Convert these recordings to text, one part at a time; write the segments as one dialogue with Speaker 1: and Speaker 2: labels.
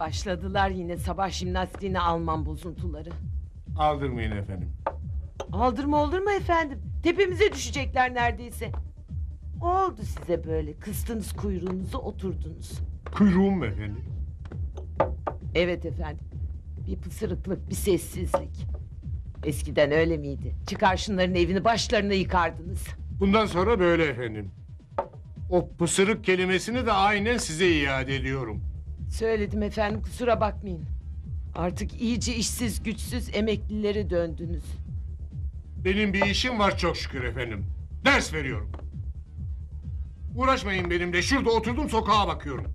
Speaker 1: Başladılar yine sabah jimnastiğine Alman bozuntuları.
Speaker 2: Aldırmayın efendim.
Speaker 1: Aldırma olur mu efendim? Tepemize düşecekler neredeyse. Oldu size böyle. Kıstınız kuyruğunuzu oturdunuz.
Speaker 2: Kuyruğum mu efendim?
Speaker 1: Evet efendim. Bir pısırıklık, bir sessizlik. Eskiden öyle miydi? Çıkar şunların evini başlarına yıkardınız.
Speaker 2: Bundan sonra böyle efendim. O pısırık kelimesini de aynen size iade ediyorum.
Speaker 1: Söyledim efendim, kusura bakmayın. Artık iyice işsiz güçsüz emeklilere döndünüz.
Speaker 2: Benim bir işim var çok şükür efendim. Ders veriyorum. Uğraşmayın benimle. Şurada oturdum sokağa bakıyorum.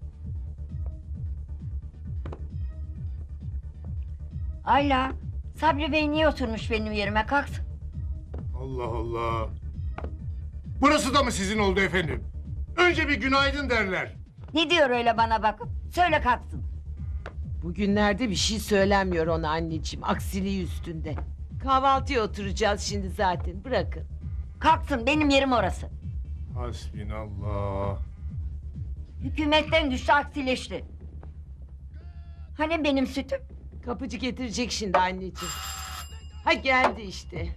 Speaker 3: Ayla, Sabri Bey niye oturmuş benim yerime? Kalksın.
Speaker 2: Allah Allah. Burası da mı sizin oldu efendim? Önce bir günaydın derler.
Speaker 3: Ne diyor öyle bana bakıp? Söyle kalksın.
Speaker 1: Bugünlerde bir şey söylenmiyor ona anneciğim. Aksiliği üstünde. Kahvaltıya oturacağız şimdi zaten. Bırakın.
Speaker 3: Kalksın, benim yerim orası.
Speaker 2: Hasbinallah.
Speaker 3: Hükümetten düştü, aksileşti. Hani benim sütüm?
Speaker 1: Kapıcı getirecek şimdi anneciğim. Ha geldi işte.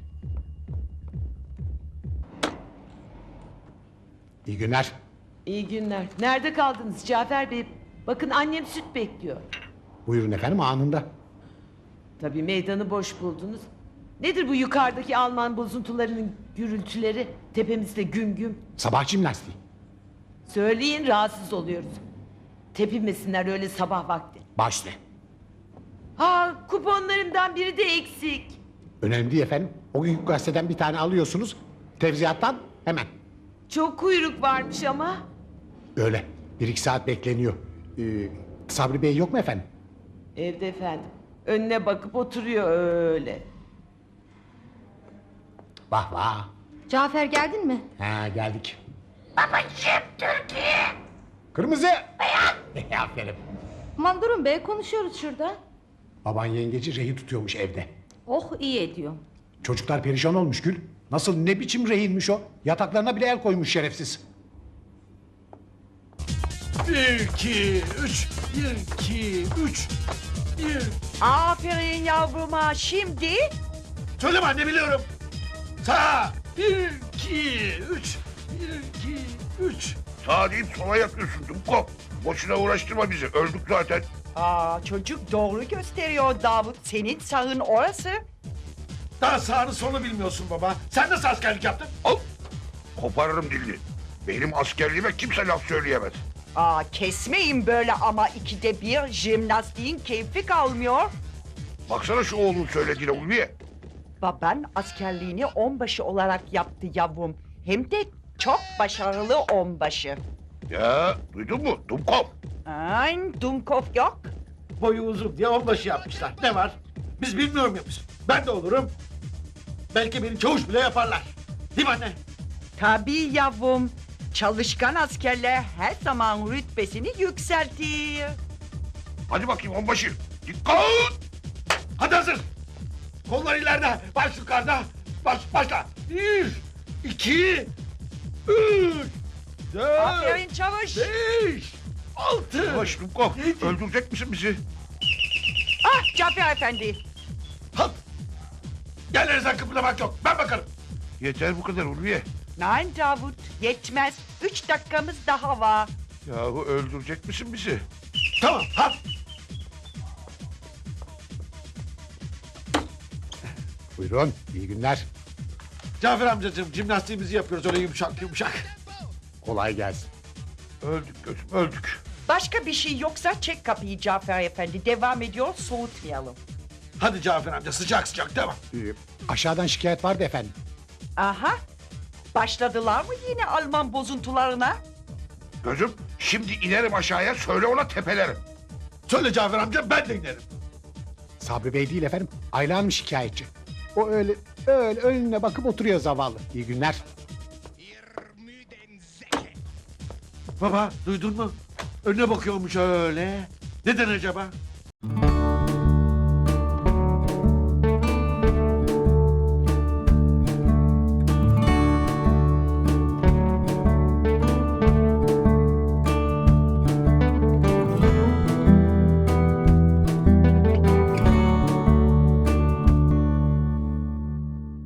Speaker 4: İyi günler.
Speaker 1: İyi günler. Nerede kaldınız Cafer Bey? Bakın annem süt bekliyor.
Speaker 4: Buyurun efendim anında.
Speaker 1: Tabii meydanı boş buldunuz. Nedir bu yukarıdaki Alman bozuntularının gürültüleri? Tepemizde güm güm.
Speaker 4: Sabah jimnastiği.
Speaker 1: Söyleyin, rahatsız oluyoruz. Tepinmesinler öyle sabah vakti.
Speaker 4: Başla.
Speaker 1: Ha, kuponlarımdan biri de eksik.
Speaker 4: Önemli değil efendim. O gün gazeteden bir tane alıyorsunuz. Tevziyattan hemen.
Speaker 1: Çok kuyruk varmış ama.
Speaker 4: Öyle. 1-2 saat bekleniyor. Sabri Bey yok mu efendim?
Speaker 1: Evde efendim. Önüne bakıp oturuyor öyle.
Speaker 4: Vah vah.
Speaker 5: Cafer geldin mi?
Speaker 4: Ha geldik. Babacığım Türkiye. Kırmızı. Beyaz. Aferin.
Speaker 5: Aman durun be, konuşuyoruz şurada.
Speaker 4: Baban yengeci rehin tutuyormuş evde.
Speaker 5: Oh, iyi ediyor.
Speaker 4: Çocuklar perişan olmuş Gül. Nasıl ne biçim rehinmiş o? Yataklarına bile el koymuş şerefsiz.
Speaker 6: 1, 2, 3, 1, 2, 3, 1.
Speaker 1: Aferin yavruma, şimdi.
Speaker 6: Söyleme anne, biliyorum. Sağ. 1, 2, 3, 1, 2, 3.
Speaker 7: Sağ deyip sola yapıyorsun Dumkop. Boşuna uğraştırma bizi. Öldük zaten.
Speaker 8: Aa, çocuk doğru gösteriyor Davut. Senin sağın orası.
Speaker 6: Daha sağını solu bilmiyorsun baba. Sen nasıl askerlik yaptın?
Speaker 7: Al. Koparırım dilini. Benim askerliğime kimse laf söyleyemez.
Speaker 8: Aa, kesmeyin böyle ama ikide bir jimnastiğin keyfi kalmıyor.
Speaker 7: Baksana şu oğlun söylediğine Ulviye.
Speaker 8: Baban askerliğini onbaşı olarak yaptı yavrum. Hem de çok başarılı onbaşı.
Speaker 7: Ya duydun mu Dumkop?
Speaker 8: Ay, Dumkov yok.
Speaker 6: Boyu uzun diye onbaşı yapmışlar. Ne var? Biz bilmiyor muyuz? Ben de olurum. Belki beni çavuş bile yaparlar. Değil mi anne?
Speaker 8: Tabii yavrum. Çalışkan askerler her zaman rütbesini yükseltir.
Speaker 7: Hadi bakayım onbaşı. Dikkat!
Speaker 6: Hadi hazır. Kollar ileride, baş yukarıda. Başla. 1, 2, 3, 4,
Speaker 8: Aferin çavuş.
Speaker 6: 5, 6.
Speaker 7: Yavaş Dumkop.
Speaker 6: Yedi.
Speaker 7: Öldürecek misin bizi?
Speaker 8: Ah, Cafer Efendi.
Speaker 6: Halt. Yerlerinizden kıpırdamak yok. Ben bakarım.
Speaker 7: Yeter bu kadar Ulviye.
Speaker 8: Nein Davut, yetmez. 3 dakikamız daha var.
Speaker 7: Yahu öldürecek misin bizi?
Speaker 6: Tamam, halt.
Speaker 4: Buyurun. İyi günler.
Speaker 6: Cafer amcacığım, jimnastiğimizi yapıyoruz öyle yumuşak yumuşak.
Speaker 4: Kolay gelsin.
Speaker 7: Öldük gözüm öldük.
Speaker 8: Başka bir şey yoksa çek kapıyı Cafer Efendi. Devam ediyor, soğutmayalım.
Speaker 6: Hadi Cafer amca, sıcak sıcak devam.
Speaker 4: Aşağıdan şikayet vardı efendim.
Speaker 8: Aha, başladılar mı yine Alman bozuntularına?
Speaker 7: Gözüm şimdi inerim aşağıya söyle ona tepelerim.
Speaker 6: Söyle Cafer amca, ben de inerim.
Speaker 4: Sabri Bey değil efendim. Ayla Hanım şikayetçi. O öyle önüne bakıp oturuyor zavallı. İyi günler.
Speaker 6: Baba, duydun mu? Önüne bakıyormuş öyle. Neden acaba?